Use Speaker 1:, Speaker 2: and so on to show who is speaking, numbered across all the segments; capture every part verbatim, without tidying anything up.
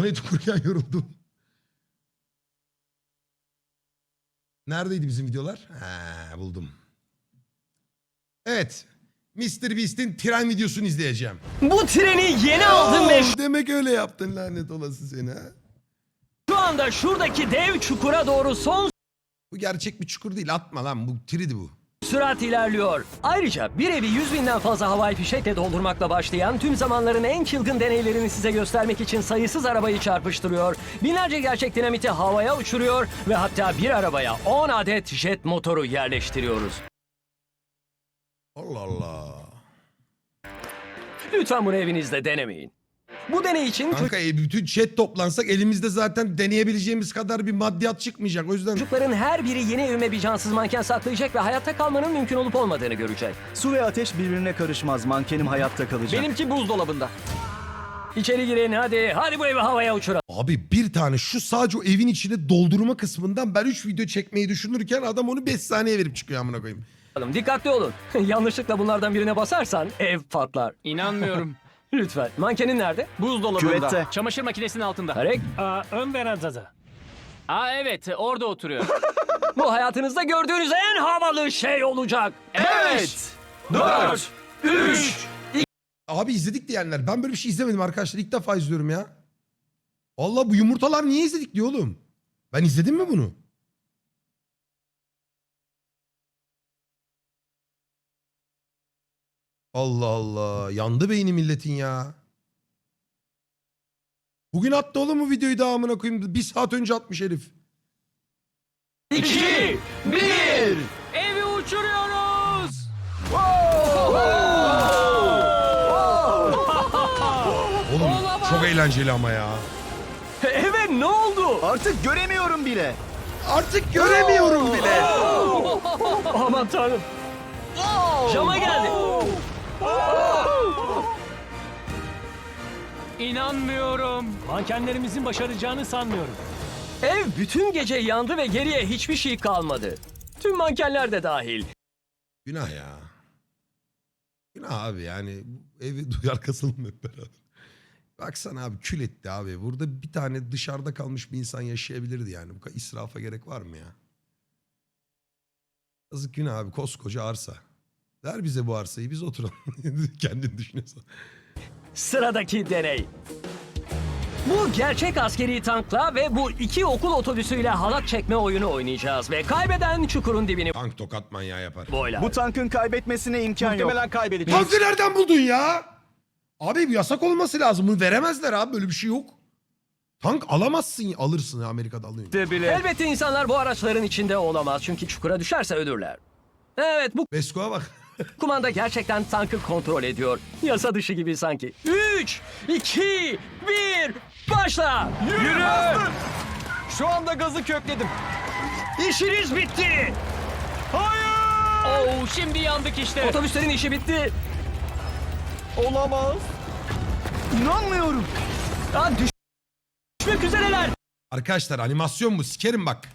Speaker 1: Donate okurken yoruldum. Neredeydi bizim videolar? Ha, buldum. Evet. mister Beast'in tren videosunu izleyeceğim.
Speaker 2: Bu treni yeni aldım ve
Speaker 1: Oo, demek öyle yaptın lanet olası seni ha.
Speaker 2: şu anda şuradaki dev çukura doğru son
Speaker 1: Bu gerçek bir çukur değil, atma lan, bu tridi bu.
Speaker 2: sürat ilerliyor. Ayrıca bir evi yüz binden fazla havai fişekle doldurmakla başlayan tüm zamanların en çılgın deneylerini size göstermek için sayısız arabayı çarpıştırıyor. Binlerce gerçek dinamiti havaya uçuruyor ve hatta bir arabaya on adet jet motoru yerleştiriyoruz.
Speaker 1: Allah Allah.
Speaker 2: Lütfen bunu evinizde denemeyin. Bu deney için
Speaker 1: Kanka e, bütün chat toplansak elimizde zaten deneyebileceğimiz kadar bir maddiyat çıkmayacak. O yüzden
Speaker 2: çocukların her biri yeni evime bir cansız manken saklayacak ve hayatta kalmanın mümkün olup olmadığını görecek.
Speaker 3: Su ve ateş birbirine karışmaz. Mankenim hayatta kalacak.
Speaker 2: Benimki buzdolabında. İçeri girin hadi. Hadi bu evi havaya uçuralım.
Speaker 1: abi bir tane şu sadece o evin içine doldurma kısmından ben üç video çekmeyi düşünürken adam onu beş saniye verip çıkıyor amına koyayım.
Speaker 2: Dikkatli olun. Yanlışlıkla bunlardan birine basarsan ev patlar.
Speaker 4: İnanmıyorum.
Speaker 2: Lütfen. Mankenin nerede?
Speaker 4: Buzdolabında.
Speaker 3: Küvette.
Speaker 4: Çamaşır makinesinin altında.
Speaker 2: Tarek.
Speaker 5: Aa, ön verandada.
Speaker 4: Aa evet orada oturuyor.
Speaker 2: Bu hayatınızda gördüğünüz en havalı şey olacak.
Speaker 4: Evet.
Speaker 2: Dört. Üç.
Speaker 1: Abi izledik diyenler. Ben böyle bir şey izlemedim arkadaşlar. İlk defa izliyorum ya. Allah bu yumurtalar niye izledik diyor oğlum. Ben izledim mi bunu? Allah Allah. Yandı beyni milletin ya. Bugün attı oğlum bu videoyu da amına koyayım. Bir saat önce atmış herif.
Speaker 2: İki. Bir.
Speaker 4: Evi uçuruyoruz.
Speaker 1: Oğlum çok eğlenceli ama ya.
Speaker 2: Evet ne oldu?
Speaker 3: Artık göremiyorum bile.
Speaker 1: Artık göremiyorum bile.
Speaker 2: Aman tanrım. Cama geldi.
Speaker 4: İnanmıyorum.
Speaker 5: Mankenlerimizin başaracağını sanmıyorum.
Speaker 2: Ev bütün gece yandı ve geriye hiçbir şey kalmadı. Tüm mankenler de dahil.
Speaker 1: Günah ya. Günah abi yani bu evi duyar kasalım hep beraber. Baksana abi kül etti abi. Burada bir tane dışarıda kalmış bir insan yaşayabilirdi yani. Bu kadar israfa gerek var mı ya? Yazık günah abi koskoca arsa. Ver bize bu arsayı biz oturalım. Kendin düşünüyorsan.
Speaker 2: Sıradaki deney. Bu gerçek askeri tankla ve bu iki okul otobüsüyle halat çekme oyunu oynayacağız ve kaybeden çukurun dibini
Speaker 1: Tank tokat manyağı yapar.
Speaker 2: boylar.
Speaker 3: Bu tankın kaybetmesine imkan yok.
Speaker 4: kaybedeceğiz.
Speaker 1: Tankı nereden buldun ya? Abi bu yasak olması lazım. Bunu veremezler abi. Böyle bir şey yok. Tank alamazsın. Alırsın Amerika'da alıyorsun.
Speaker 2: Elbette insanlar bu araçların içinde olamaz çünkü çukura düşerse ölürler. Evet bu
Speaker 1: Besko'ya bak.
Speaker 2: kumanda gerçekten tankı kontrol ediyor. Yasa dışı gibi sanki. Üç, iki, bir, başla. Yürü.
Speaker 4: Şu anda gazı kökledim.
Speaker 2: İşiniz bitti.
Speaker 4: Oo şimdi yandık işte.
Speaker 2: Otobüslerin işi bitti.
Speaker 3: Olamaz. İnanmıyorum.
Speaker 2: Aa, düş- düşmek üzereler.
Speaker 1: Arkadaşlar animasyon bu. Sikerim bak.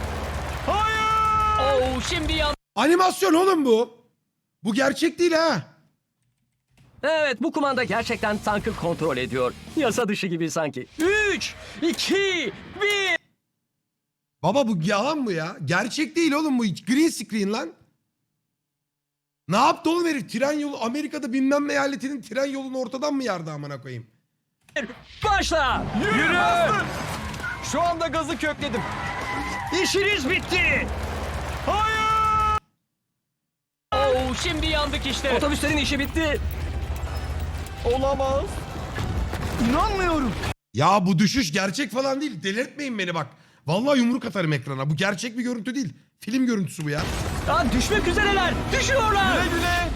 Speaker 4: Oo şimdi yandık.
Speaker 1: Animasyon oğlum bu. Bu gerçek değil ha.
Speaker 2: Evet bu kumanda gerçekten tankı kontrol ediyor. Yasa dışı gibi sanki. Üç, iki, bir.
Speaker 1: Baba bu yalan bu ya. Gerçek değil oğlum bu. Green screen lan. Ne yaptı oğlum herif? Tren yolu Amerika'da bilmem eyaletinin tren yolunu ortadan mı yardı amına koyayım?
Speaker 2: Başla.
Speaker 4: Yürü. Şu anda gazı kökledim.
Speaker 2: İşiniz bitti.
Speaker 4: Oo şimdi yandık işte.
Speaker 2: Otobüslerin işi bitti.
Speaker 3: Olamaz. İnanmıyorum.
Speaker 1: Ya bu düşüş gerçek falan değil. Delirtmeyin beni bak. Vallahi yumruk atarım ekrana. Bu gerçek bir görüntü değil. Film görüntüsü bu ya.
Speaker 2: Aa, düşmek üzereler. Düşüyorlar.
Speaker 4: Güle güle.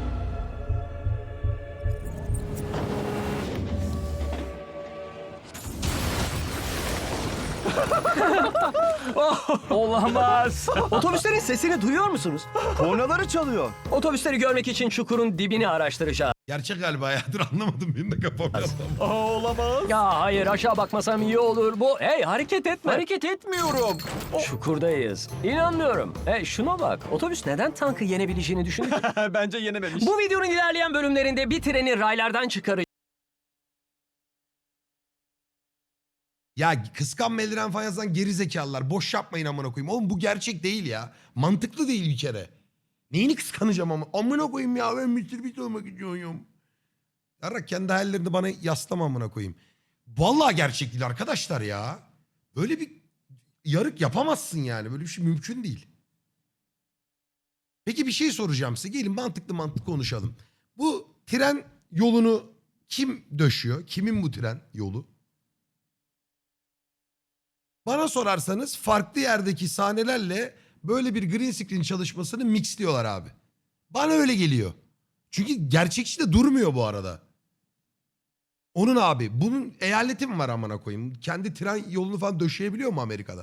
Speaker 2: Olamaz. Otobüslerin sesini duyuyor musunuz?
Speaker 3: Kornaları çalıyor.
Speaker 2: Otobüsleri görmek için çukurun dibini araştıracağız.
Speaker 1: Gerçek galiba ya. Dur anlamadım. Benim de kafam biraz
Speaker 3: Aa, olamaz.
Speaker 2: Ya hayır aşağı bakmasam iyi olur. Bu hey hareket etme.
Speaker 4: Hareket etmiyorum.
Speaker 2: Çukurdayız. İnanmıyorum. Hey şuna bak. Otobüs neden tankı yenebileceğini düşündü?
Speaker 4: Bence yenememiş.
Speaker 2: Bu videonun ilerleyen bölümlerinde bir treni raylardan çıkaracağız.
Speaker 1: Ya kıskanma eldiren falan yazan geri zekalılar. Boş yapmayın amına koyayım. Oğlum bu gerçek değil ya. Mantıklı değil bir kere. Neyini kıskanacağım ama? Amına koyayım ya ben mister Beast olmak istiyorum. Yarrak kendi hayallerini bana yaslama amına koyayım. Vallahi gerçek değil arkadaşlar ya. Böyle bir yarık yapamazsın yani. Böyle bir şey mümkün değil. Peki bir şey soracağım size. Gelin mantıklı mantıklı konuşalım. Bu tren yolunu kim döşüyor? Kimin bu tren yolu? Bana sorarsanız farklı yerdeki sahnelerle böyle bir green screen çalışmasını mixliyorlar abi. Bana öyle geliyor. Çünkü gerçekçi de durmuyor bu arada. Onun abi bunun eyaleti mi var amına koyayım? Kendi tren yolunu falan döşeyebiliyor mu Amerika'da?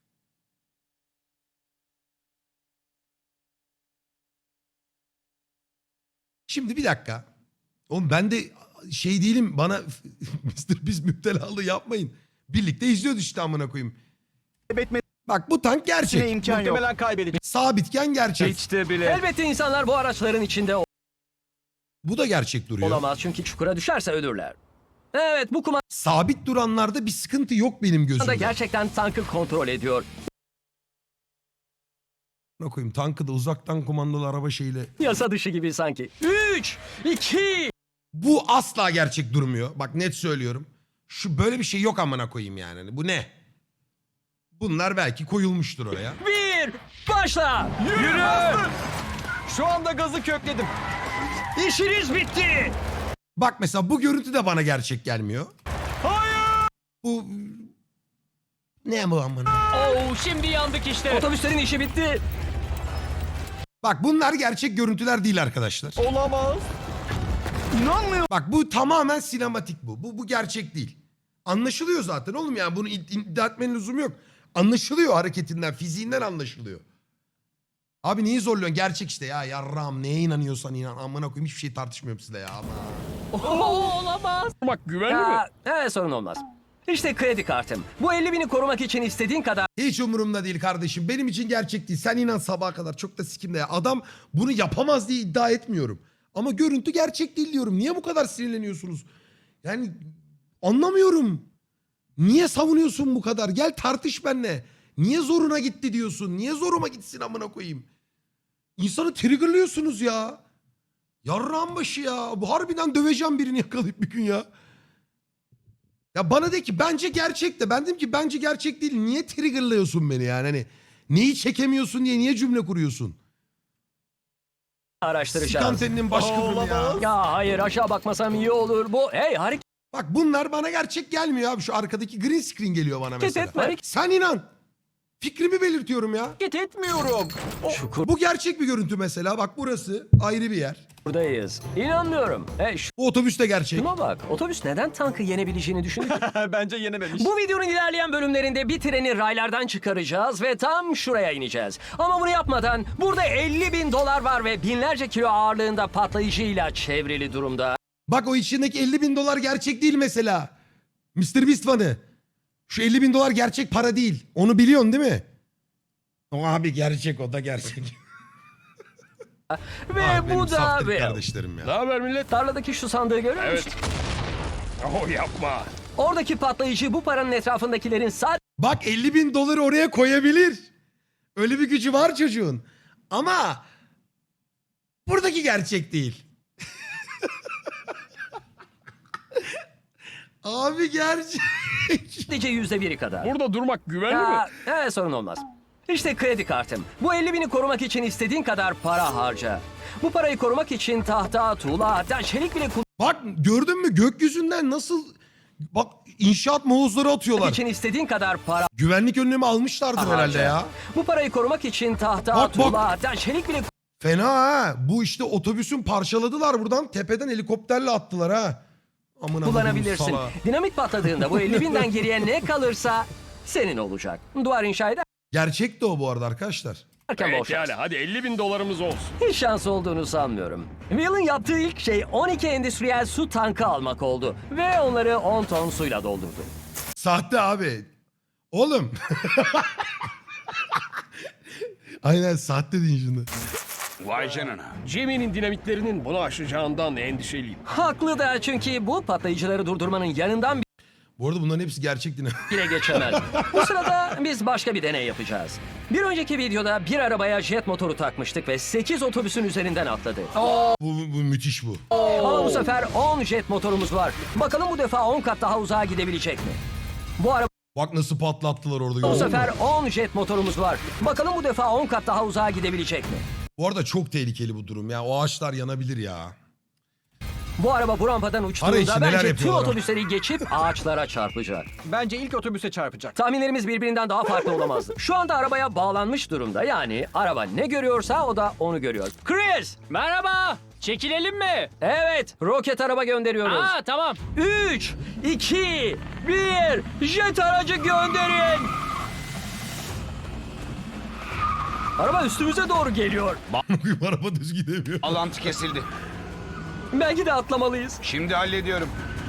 Speaker 1: Şimdi bir dakika. Oğlum ben de şey değilim bana mister Beast müptelalığı yapmayın. Birlikte izliyoruz işte amına koyayım.
Speaker 3: Kaybetmesine
Speaker 1: Bak bu tank gerçek.
Speaker 3: imkan yok.
Speaker 4: Muhtemelen kaybedecek.
Speaker 1: Sabitken gerçek.
Speaker 4: Hiç de bile.
Speaker 2: Elbette insanlar bu araçların içinde
Speaker 1: Bu da gerçek duruyor.
Speaker 2: olamaz çünkü çukura düşerse ölürler. Evet, bu kumanda
Speaker 1: Sabit duranlarda bir sıkıntı yok benim gözümde.
Speaker 2: gerçekten tankı kontrol ediyor.
Speaker 1: Ne koyayım tankı da uzaktan kumandalı araba şeyle.
Speaker 2: Yasa dışı gibi sanki. üç, iki,
Speaker 1: Bu asla gerçek durmuyor. Bak net söylüyorum. Şu böyle bir şey yok amına koyayım yani. Hani bu ne? Bunlar belki koyulmuştur oraya.
Speaker 2: bir, başla.
Speaker 4: Yürü! Şu anda gazı kökledim.
Speaker 2: İşiniz bitti.
Speaker 1: Bak mesela bu görüntü de bana gerçek gelmiyor.
Speaker 4: Hayır!
Speaker 1: Bu ne bu amına?
Speaker 4: Oo, şimdi yandık işte.
Speaker 2: Otobüslerin işi bitti.
Speaker 1: Bak bunlar gerçek görüntüler değil arkadaşlar.
Speaker 4: Olamaz.
Speaker 3: İnanmıyorum.
Speaker 1: Bak bu tamamen sinematik bu. Bu bu gerçek değil. Anlaşılıyor zaten oğlum ya. Bunu id- iddia etmenin lüzumu yok. Anlaşılıyor hareketinden, fiziğinden anlaşılıyor. Abi neyi zorluyorsun? Gerçek işte ya. Yarram neye inanıyorsan inan. Amına koyayım hiçbir şey tartışmıyorum size ya. Ama.
Speaker 2: olamaz.
Speaker 4: Bak güvenli
Speaker 2: Ya, evet, sorun olmaz. İşte kredi kartım. Bu elli bini korumak için istediğin kadar
Speaker 1: Hiç umurumda değil kardeşim. Benim için gerçek değil. Sen inan sabaha kadar. Çok da sikimde ya. Adam bunu yapamaz diye iddia etmiyorum. Ama görüntü gerçek değil diyorum. Niye bu kadar sinirleniyorsunuz? Yani anlamıyorum. Niye savunuyorsun bu kadar? Gel tartış benimle. Niye zoruna gitti diyorsun? Niye zoruma gitsin amına koyayım? İnsanı triggerlıyorsunuz ya. Yarrağın başı ya. Bu harbiden döveceğim birini yakalayıp bir gün ya. Ya bana de ki bence gerçek de. Ben dedim ki bence gerçek değil. Niye triggerlıyorsun beni yani? Hani neyi çekemiyorsun diye niye cümle kuruyorsun?
Speaker 2: araştıracağız.
Speaker 1: Sikantenin başkırını ya.
Speaker 2: Ya hayır, aşağı bakmasam iyi olur. Bu hey hareket
Speaker 1: Bak bunlar bana gerçek gelmiyor abi. Şu arkadaki green screen geliyor bana mesela.
Speaker 2: etme.
Speaker 1: Sen inan. Fikrimi belirtiyorum ya.
Speaker 2: etmiyorum.
Speaker 1: Bu gerçek bir görüntü mesela. Bak burası ayrı bir yer.
Speaker 2: Şuradayız. İnanmıyorum. Hey
Speaker 1: Bu otobüs de gerçek.
Speaker 2: şuna bak. Otobüs neden tankı yenebileceğini düşündü?
Speaker 4: Bence yenememiş.
Speaker 2: Bu videonun ilerleyen bölümlerinde bir treni raylardan çıkaracağız ve tam şuraya ineceğiz. Ama bunu yapmadan burada elli bin dolar var ve binlerce kilo ağırlığında patlayıcıyla çevrili durumda.
Speaker 1: Bak o içindeki elli bin dolar gerçek değil mesela. mister Beast fanı. Şu elli bin dolar gerçek para değil. Onu biliyorsun değil mi? O abi gerçek o da gerçek.
Speaker 2: Ve
Speaker 1: Abi benim
Speaker 2: bu da
Speaker 1: saftirik
Speaker 2: ve
Speaker 1: kardeşlerim ya.
Speaker 4: haber millet?
Speaker 2: tarladaki şu sandığı görüyor musun?
Speaker 4: Oh yapma.
Speaker 2: Oradaki patlayıcı bu paranın etrafındakilerin sadece
Speaker 1: Bak elli bin doları oraya koyabilir. Öyle bir gücü var çocuğun. Ama buradaki gerçek değil. Abi gerçek.
Speaker 2: yüzde biri kadar.
Speaker 4: Burada durmak güvenli
Speaker 2: Ya, evet, sorun olmaz. İşte kredi kartım. Bu elli bini korumak için istediğin kadar para harca. Bu parayı korumak için tahta, tuğla, hatta çelik bile
Speaker 1: Bak gördün mü gökyüzünden nasıl bak inşaat molozları
Speaker 2: kullanmak
Speaker 1: atıyorlar.
Speaker 2: için istediğin kadar para
Speaker 1: Güvenlik önlemi almışlardır herhalde
Speaker 2: harca.
Speaker 1: ya.
Speaker 2: Bu parayı korumak için tahta,
Speaker 1: Bak,
Speaker 2: tuğla,
Speaker 1: bak.
Speaker 2: hatta çelik bile
Speaker 1: Fena ha. Bu işte otobüsün parçaladılar buradan. Tepeden helikopterle attılar ha. Amına
Speaker 2: kullanabilirsin.
Speaker 1: koyayım, salağa.
Speaker 2: Dinamit patladığında bu elli binden geriye ne kalırsa senin olacak. Duvar inşa ederken
Speaker 1: Gerçek de o bu arada arkadaşlar.
Speaker 2: bol şans.
Speaker 4: hadi elli bin dolarımız olsun.
Speaker 2: Hiç şans olduğunu sanmıyorum. Will'ın yaptığı ilk şey on iki endüstriyel su tankı almak oldu. Ve onları on ton suyla doldurdu.
Speaker 1: Sahte abi. Oğlum. Aynen sahte deyin şunu.
Speaker 6: Vay canına.
Speaker 5: Jimmy'nin dinamitlerinin bunu aşacağından endişeliyim.
Speaker 2: Haklı da çünkü bu patlayıcıları durdurmanın yanından
Speaker 1: Bu arada bunların hepsi gerçek dinamit.
Speaker 2: bile geçemez. Bu sırada biz başka bir deney yapacağız. Bir önceki videoda bir arabaya jet motoru takmıştık ve sekiz otobüsün üzerinden atladı.
Speaker 1: bu, bu, bu müthiş bu.
Speaker 2: Ama bu sefer on jet motorumuz var. Bakalım bu defa on kat daha uzağa gidebilecek mi? Bu araba
Speaker 1: Bak nasıl patlattılar orada.
Speaker 2: bu
Speaker 1: gördün mü?
Speaker 2: sefer on jet motorumuz var. Bakalım bu defa on kat daha uzağa gidebilecek mi?
Speaker 1: Bu arada çok tehlikeli bu durum ya. O ağaçlar yanabilir ya.
Speaker 2: Bu araba bu rampadan
Speaker 1: Ara
Speaker 2: uçtuğunda
Speaker 1: içi neler
Speaker 2: bence tüm
Speaker 1: yapıyorlar?
Speaker 2: otobüsleri geçip ağaçlara çarpacak.
Speaker 4: Bence ilk otobüse çarpacak.
Speaker 2: Tahminlerimiz birbirinden daha farklı olamazdı. Şu anda arabaya bağlanmış durumda. Yani araba ne görüyorsa o da onu görüyor. Chris!
Speaker 5: Merhaba. Çekilelim mi?
Speaker 2: Evet, roket araba gönderiyoruz.
Speaker 5: Aa tamam.
Speaker 2: üç, iki, bir, jet aracı gönderin. Araba üstümüze doğru geliyor.
Speaker 1: Araba düz gidemiyor.
Speaker 6: Alantı kesildi.
Speaker 2: Belki de atlamalıyız.
Speaker 6: Şimdi hallediyorum.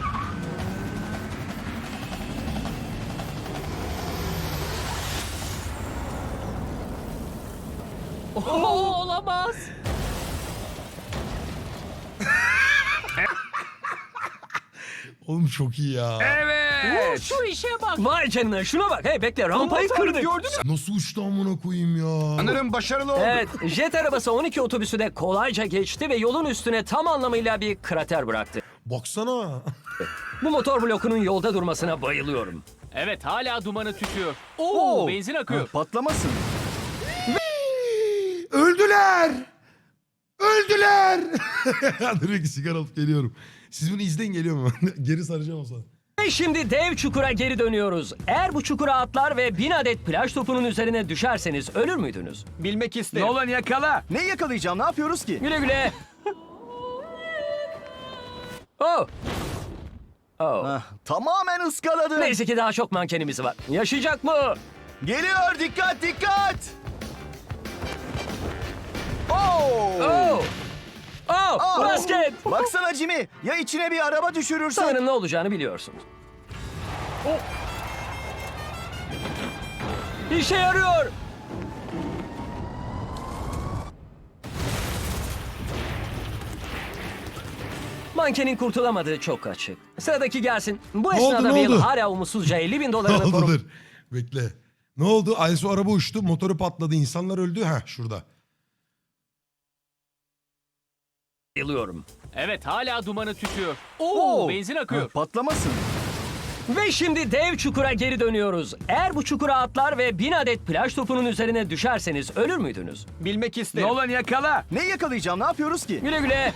Speaker 5: Oo, olamaz.
Speaker 1: Oğlum çok iyi ya.
Speaker 5: Oo, şu işe bak.
Speaker 2: Vay canına şuna bak. Hey bekle rampayı kırdık.
Speaker 4: Gördün mü?
Speaker 1: Nasıl uçtu amına koyayım ya.
Speaker 6: Sanırım başarılı olduk.
Speaker 2: Evet, jet arabası on iki otobüsü de kolayca geçti ve yolun üstüne tam anlamıyla bir krater bıraktı.
Speaker 1: Baksana.
Speaker 2: Bu motor blokunun yolda durmasına bayılıyorum.
Speaker 5: Evet hala dumanı tütüyor. Oo, benzin akıyor.
Speaker 3: Patlamasın.
Speaker 1: Öldüler. Öldüler. Direkt sigara alıp geliyorum. Siz bunu izleyin geliyor mu? Geri saracağım o zaman.
Speaker 2: Ve şimdi dev çukura geri dönüyoruz. Eğer bu çukura atlar ve bin adet plaj topunun üzerine düşerseniz ölür müydünüz?
Speaker 4: Bilmek isterim.
Speaker 3: Nolan yakala. Ne yakalayacağım? Ne yapıyoruz ki?
Speaker 2: Güle güle. Oh. Oh.
Speaker 3: Ah, tamamen ıskaladı.
Speaker 2: Neyse ki daha çok mankenimiz var. Yaşayacak mı?
Speaker 3: Geliyor. Dikkat dikkat. Oo.
Speaker 2: Oh. Oh.
Speaker 3: Aa,
Speaker 2: Basket.
Speaker 3: Baksana Jimmy. Ya içine bir araba düşürürsen?
Speaker 2: Sanırım ne olacağını biliyorsunuz. Oh. İşe yarıyor. Mankenin kurtulamadığı çok açık. Sıradaki gelsin. Bu
Speaker 1: Ne oldu,
Speaker 2: esnada
Speaker 1: ne
Speaker 2: Will
Speaker 1: oldu?
Speaker 2: hala umutsuzca elli bin
Speaker 1: Ne
Speaker 2: dolarını
Speaker 1: oldu
Speaker 2: korup
Speaker 1: dur. Bekle. Ne oldu? Aysu araba uçtu. Motoru patladı. İnsanlar öldü. Heh şurada.
Speaker 2: bayılıyorum.
Speaker 5: Evet hala dumanı tütüyor. Oo, benzin akıyor.
Speaker 3: Ah, patlamasın.
Speaker 2: Ve şimdi dev çukura geri dönüyoruz. Eğer bu çukura atlar ve bin adet plaj topunun üzerine düşerseniz ölür müydünüz?
Speaker 4: Bilmek isterim.
Speaker 3: Nolan yakala. Ne yakalayacağım? Ne yapıyoruz ki?
Speaker 2: Güle güle.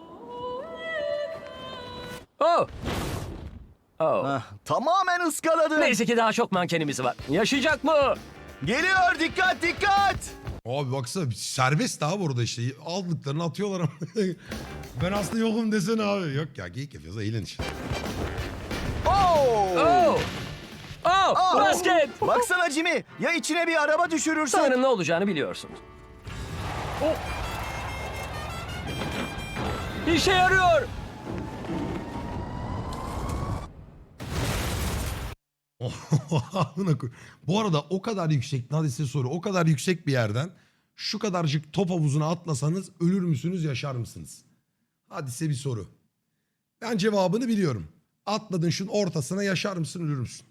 Speaker 2: Oh. Oh.
Speaker 3: Ah, tamamen ıskaladı.
Speaker 2: Neyse ki daha çok mankenimiz var. Yaşayacak mı?
Speaker 3: Geliyor. Dikkat dikkat.
Speaker 1: Abi baksana serbest abi orada işte. Aldıklarını atıyorlar ama. Ben aslında yokum desene abi. Yok ya geyik yapıyoruz. Eğlen işte.
Speaker 3: Oo.
Speaker 2: Oh. Oh.
Speaker 3: Aa.
Speaker 2: Basket.
Speaker 3: Baksana Jimmy. Ya içine bir araba düşürürsen?
Speaker 2: Sanırım ne olacağını biliyorsunuz. Oh. İşe yarıyor.
Speaker 1: Amına koy- Bu arada o kadar yüksek, neredeyse soru, o kadar yüksek bir yerden şu kadarcık top havuzuna atlasanız ölür müsünüz, yaşar mısınız? Hadi size bir soru. Ben cevabını biliyorum. Atladın şunun ortasına, yaşar mısın, ölür müsün?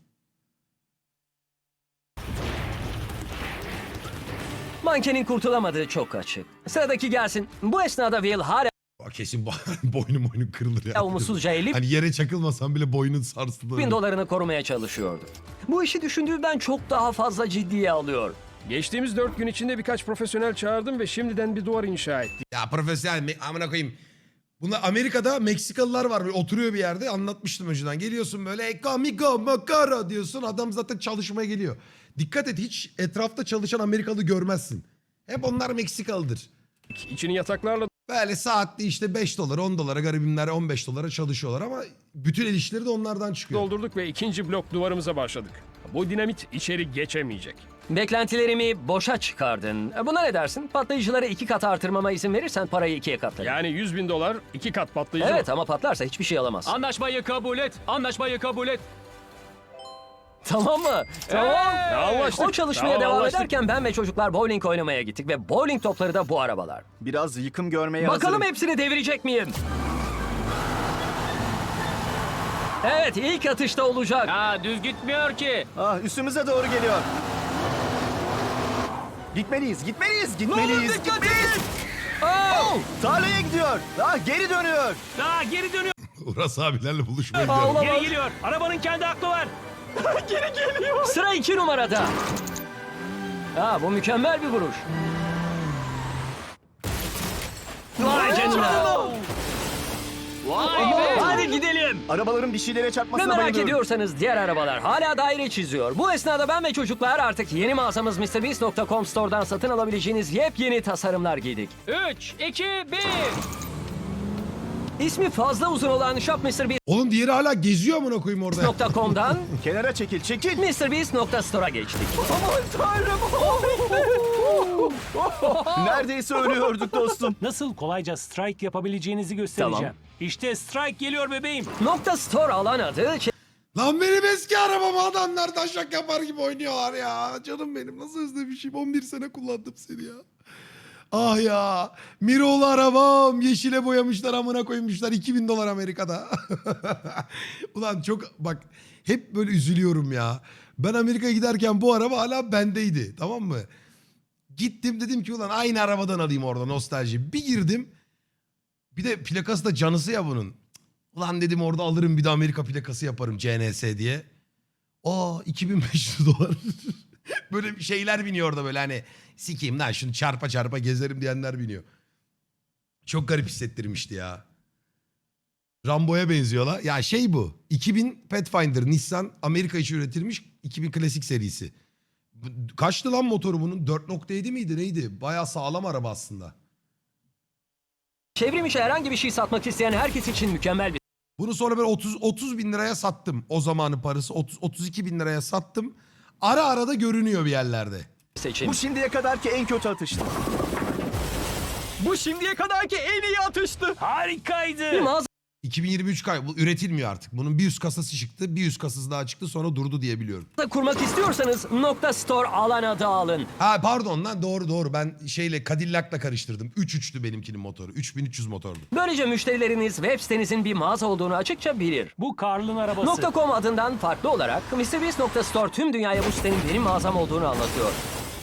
Speaker 2: Mankenin kurtulamadığı çok açık. Sıradaki gelsin. Bu esnada Will hala
Speaker 1: Bak kesin boynu boynu kırılır ya.
Speaker 2: umutsuzca elli
Speaker 1: Hani yere çakılmasan bile boynun sarsılır.
Speaker 2: bin dolarını korumaya çalışıyordu. Bu işi düşündüğümden çok daha fazla ciddiye alıyor.
Speaker 7: Geçtiğimiz dört gün içinde birkaç profesyonel çağırdım ve şimdiden bir duvar inşa ettik.
Speaker 1: Ya profesyonel me- amına koyayım. Bunlar Amerika'da Meksikalılar var böyle oturuyor bir yerde, anlatmıştım önceden. Geliyorsun böyle ekamigo makara diyorsun, adam zaten çalışmaya geliyor. Dikkat et, hiç etrafta çalışan Amerikalı görmezsin. Hep onlar Meksikalıdır.
Speaker 7: İçini yataklarla
Speaker 1: Böyle saatli işte beş dolar on dolara, garibimler on beş dolara çalışıyorlar ama bütün el işleri de onlardan çıkıyor.
Speaker 7: doldurduk ve ikinci blok duvarımıza başladık. Bu dinamit içeri geçemeyecek.
Speaker 2: Beklentilerimi boşa çıkardın. Buna ne dersin? Patlayıcıları iki kat artırmama izin verirsen parayı ikiye katlarım.
Speaker 7: Yani yüz bin dolar iki kat patlayıcı.
Speaker 2: Evet ama patlarsa hiçbir şey alamaz.
Speaker 5: Anlaşmayı kabul et. Anlaşmayı kabul et.
Speaker 2: Tamam mı? Tamam.
Speaker 7: Hey! Anlaştık.
Speaker 2: O çalışmaya
Speaker 7: Tamam,
Speaker 2: devam
Speaker 7: anlaştık.
Speaker 2: ederken ben ve çocuklar bowling oynamaya gittik ve bowling topları da bu arabalar.
Speaker 3: Biraz yıkım görmeye
Speaker 2: Bakalım
Speaker 3: hazırım.
Speaker 2: hepsini devirecek miyim? Evet, ilk atışta olacak.
Speaker 5: Ha düz gitmiyor ki.
Speaker 3: Ah, üstümüze doğru geliyor. Gitmeliyiz, gitmeliyiz, gitmeliyiz, gitmeliyiz. Oh, tarlaya gidiyor. Ah, geri dönüyor.
Speaker 5: Daha geri dönüyor.
Speaker 1: Uras abilerle buluşmaya
Speaker 2: Aa,
Speaker 1: gidiyorum.
Speaker 2: olamaz.
Speaker 5: Geri geliyor. Arabanın kendi aklı var.
Speaker 2: Sıra iki numarada. Ha, bu mükemmel bir vuruş. Vay canına.
Speaker 5: Vay be.
Speaker 2: Hadi gidelim.
Speaker 3: Arabaların bir şeylere
Speaker 2: Ne
Speaker 3: çarpmasına
Speaker 2: merak
Speaker 3: bayılıyorum.
Speaker 2: ediyorsanız diğer arabalar hala daire çiziyor. Bu esnada ben ve çocuklar artık yeni mağazamız mister beast nokta com Store'dan satın alabileceğiniz yepyeni tasarımlar giydik.
Speaker 5: üç, iki, bir.
Speaker 2: İsmi fazla uzun olan shop mister beast
Speaker 1: Oğlum diğeri hala geziyor amına koyayım orada.
Speaker 2: nokta com'dan
Speaker 3: Kenara çekil, çekil.
Speaker 2: mister beast nokta store'a geçtik.
Speaker 3: Neredeyse ölüyorduk dostum.
Speaker 5: Nasıl kolayca strike yapabileceğinizi göstereceğim.
Speaker 2: Tamam.
Speaker 5: İşte strike geliyor bebeğim.
Speaker 2: Nokta store alan adı
Speaker 1: Lan benim eski arabamı adamlar taşak yapar gibi oynuyorlar ya. Canım benim nasıl özlemişim. on bir sene kullandım seni ya. Ah ya. Miro'lu arabam. Yeşile boyamışlar amına koymuşlar. iki bin dolar Amerika'da. Ulan çok bak hep böyle üzülüyorum ya. Ben Amerika'ya giderken bu araba hala bendeydi. Tamam mı? Gittim dedim ki ulan aynı arabadan alayım orada nostalji. Bir girdim. Bir de plakası da canısı ya bunun. Ulan dedim orada alırım bir de Amerika plakası yaparım C N S diye. Aa iki bin beş yüz dolar. Böyle şeyler biniyor orada böyle hani sikeyim lan şunu çarpa çarpa gezerim diyenler biniyor. Çok garip hissettirmişti ya. Rambo'ya benziyorlar. Ya şey bu. iki bin Pathfinder Nissan Amerika için üretilmiş iki bin klasik serisi. Bu- Kaçtı lan motoru bunun? dört nokta yedi miydi neydi? Bayağı sağlam araba aslında.
Speaker 2: çevrim içi herhangi bir şey satmak isteyen herkes için mükemmel bir
Speaker 1: Bunu sonra ben otuz otuz bin liraya sattım. O zamanın parası otuz otuz iki bin liraya sattım. Ara ara da görünüyor bir yerlerde.
Speaker 2: seçim.
Speaker 3: Bu şimdiye kadarki en kötü atıştı.
Speaker 7: Bu şimdiye kadarki en iyi atıştı.
Speaker 5: Harikaydı.
Speaker 2: Bir mağaza
Speaker 1: iki bin yirmi üç kay bu üretilmiyor artık. Bunun bir üst kasası çıktı, bir üst kasası daha çıktı sonra durdu diye biliyorum.
Speaker 2: kurmak istiyorsanız nokta store alan adı alın.
Speaker 1: Ha pardon lan doğru doğru ben şeyle Cadillac'la karıştırdım. üç üçtü benimkinin motoru. üç bin üç yüz motordu.
Speaker 2: Böylece müşterileriniz web sitenizin bir mağaza olduğunu açıkça bilir.
Speaker 5: Bu Karl'ın arabası.
Speaker 2: .com adından farklı olarak mister beast nokta store tüm dünyaya bu sitenin benim mağazam olduğunu anlatıyor.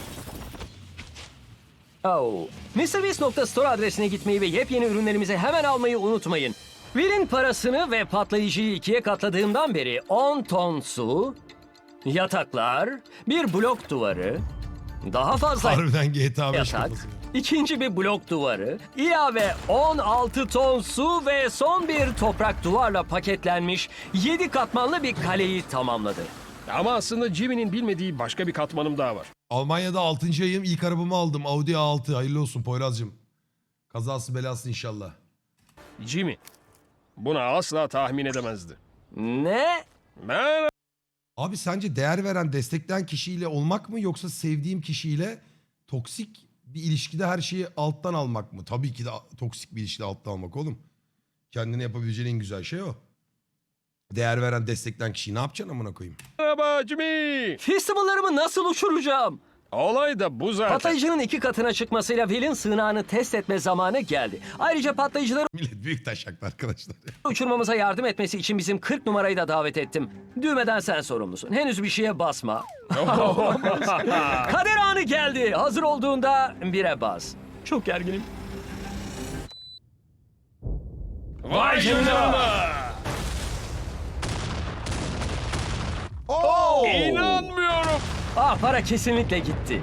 Speaker 2: Oh. mister beast nokta store adresine gitmeyi ve yepyeni ürünlerimizi hemen almayı unutmayın. Will'in parasını ve patlayıcıyı ikiye katladığımdan beri on ton su, yataklar, bir blok duvarı, daha fazla
Speaker 1: Harbiden G T A beş
Speaker 2: yatak,
Speaker 1: kafası.
Speaker 2: ikinci bir blok duvarı, ilave on altı ton su ve son bir toprak duvarla paketlenmiş yedi katmanlı bir kaleyi tamamladı.
Speaker 7: Ama aslında Jimmy'nin bilmediği başka bir katmanım daha var.
Speaker 1: Almanya'da altıncı ayım ilk arabamı aldım. Audi A altı. Hayırlı olsun Poyraz'cığım. Kazası belası inşallah.
Speaker 7: Jimmy buna asla tahmin edemezdi.
Speaker 2: Ne?
Speaker 7: Ben
Speaker 1: Abi sence değer veren, destekleyen kişiyle olmak mı yoksa sevdiğim kişiyle toksik bir ilişkide her şeyi alttan almak mı? Tabii ki de toksik bir ilişkide alttan almak oğlum. Kendine yapabileceğin en güzel şey o. Değer veren, destekleyen kişiyi ne yapacaksın amına koyayım?
Speaker 7: merhaba Jimmy.
Speaker 2: Festivallarımı nasıl uçuracağım?
Speaker 7: Olay da bu zaten.
Speaker 2: Patlayıcının iki katına çıkmasıyla Will'in sığınağını test etme zamanı geldi. Ayrıca patlayıcıları
Speaker 1: Millet büyük taşaklı arkadaşlar.
Speaker 2: uçurmamıza yardım etmesi için bizim kırk numarayı da davet ettim. Düğmeden sen sorumlusun. Henüz bir şeye basma. Kader anı geldi. Hazır olduğunda bire bas. Çok gerginim.
Speaker 7: Vay canına.
Speaker 3: Oo!
Speaker 7: İnanmıyorum.
Speaker 2: Ah, para kesinlikle gitti.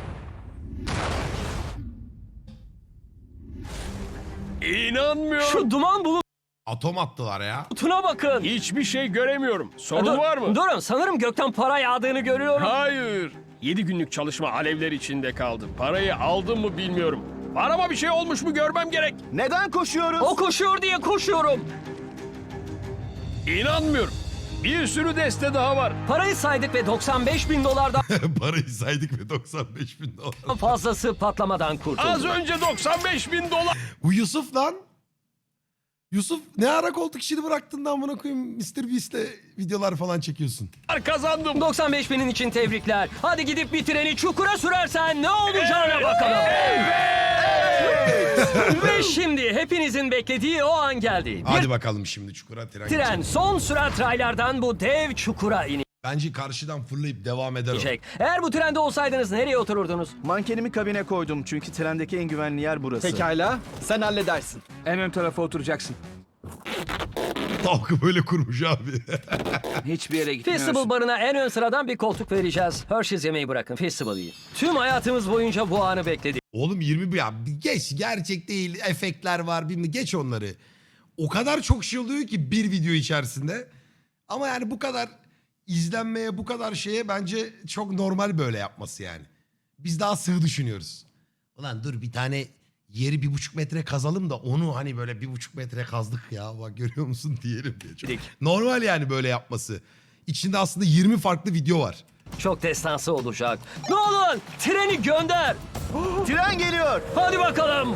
Speaker 7: İnanmıyorum.
Speaker 2: Şu duman
Speaker 1: Atom attılar ya.
Speaker 2: bulutuna bakın.
Speaker 7: Hiçbir şey göremiyorum. Sorun
Speaker 2: Dur-
Speaker 7: var mı?
Speaker 2: Durun, sanırım gökten para yağdığını görüyorum.
Speaker 7: Hayır. Yedi günlük çalışma alevler içinde kaldı. Parayı aldım mı bilmiyorum. Araba bir şey olmuş mu görmem gerek.
Speaker 3: Neden koşuyoruz?
Speaker 2: O koşuyor diye koşuyorum.
Speaker 7: İnanmıyorum. Bir sürü deste daha var.
Speaker 2: Parayı saydık ve doksan beş bin dolardan
Speaker 1: Parayı saydık ve doksan beş bin dolar.
Speaker 2: fazlası patlamadan kurtuldu.
Speaker 7: Az önce doksan beş bin dolar.
Speaker 1: Bu Yusuf lan. Yusuf ne ara koltuk işini bıraktın da amına koyayım mister Beast'le videolar falan çekiyorsun.
Speaker 7: Kazandım.
Speaker 2: doksan beş binin için tebrikler. Hadi gidip bir treni çukura sürersen ne olacağına bakalım. Ve şimdi hepinizin beklediği o an geldi. Bir
Speaker 1: Hadi bakalım şimdi çukura tren.
Speaker 2: tren
Speaker 1: geçecek.
Speaker 2: son sürat raylardan bu dev çukura
Speaker 1: Bence karşıdan fırlayıp devam eder o.
Speaker 2: inecek. Eğer bu trende olsaydınız nereye otururdunuz?
Speaker 3: Mankenimi kabine koydum çünkü trendeki en güvenli yer burası.
Speaker 4: Pekala, sen halledersin. En ön tarafa oturacaksın.
Speaker 1: Tavkı böyle kurmuş abi.
Speaker 4: Hiçbir yere gitmiyorsun.
Speaker 2: Festival barına en ön sıradan bir koltuk vereceğiz. Hershey's yemeği bırakın, Festival yiyin. Tüm hayatımız boyunca bu anı bekledik.
Speaker 1: Oğlum yirmi bir ya geç, gerçek değil, efektler var, bilmem, geç onları. O kadar çok şey oluyor ki bir video içerisinde. Ama yani bu kadar izlenmeye, bu kadar şeye bence çok normal böyle yapması yani. Biz daha sığ düşünüyoruz. Ulan dur bir tane yeri bir buçuk metre kazalım da onu hani böyle bir buçuk metre kazdık ya bak görüyor musun diyelim diye. Çok normal yani böyle yapması. İçinde aslında yirmi farklı video var.
Speaker 2: Çok destansı olacak. Nolan, treni gönder.
Speaker 3: Tren geliyor.
Speaker 2: Hadi bakalım.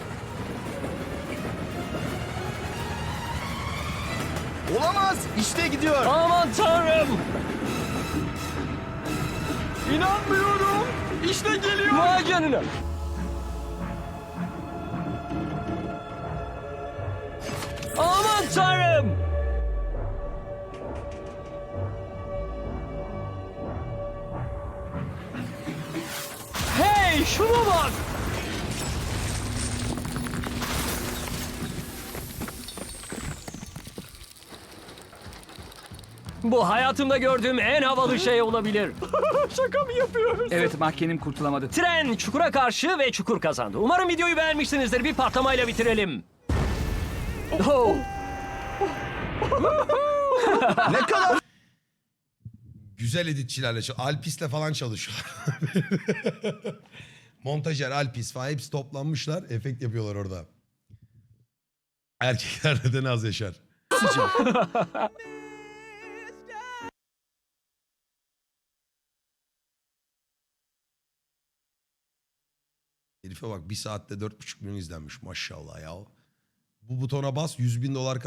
Speaker 3: Olamaz. İşte gidiyor.
Speaker 2: Aman tanrım.
Speaker 4: İnanmıyorum. İşte geliyor.
Speaker 2: Vay canına. Aman tanrım. Hey, şuna bak. Bu hayatımda gördüğüm en havalı şey olabilir.
Speaker 4: Şaka mı yapıyoruz? Evet, mahkenim kurtulamadı.
Speaker 2: Tren çukura karşı ve çukur kazandı. Umarım videoyu beğenmişsinizdir. Bir patlamayla bitirelim. Oh.
Speaker 3: Ne kadar
Speaker 1: Güzel editçilerle çalışıyor. Alpis'le falan çalışıyor. Montajer, Alpis falan hepsi toplanmışlar. Efekt yapıyorlar orada. Erkekler neden az yaşar? Herife bak bir saatte dört buçuk milyon izlenmiş maşallah ya. Bu butona bas yüz bin dolar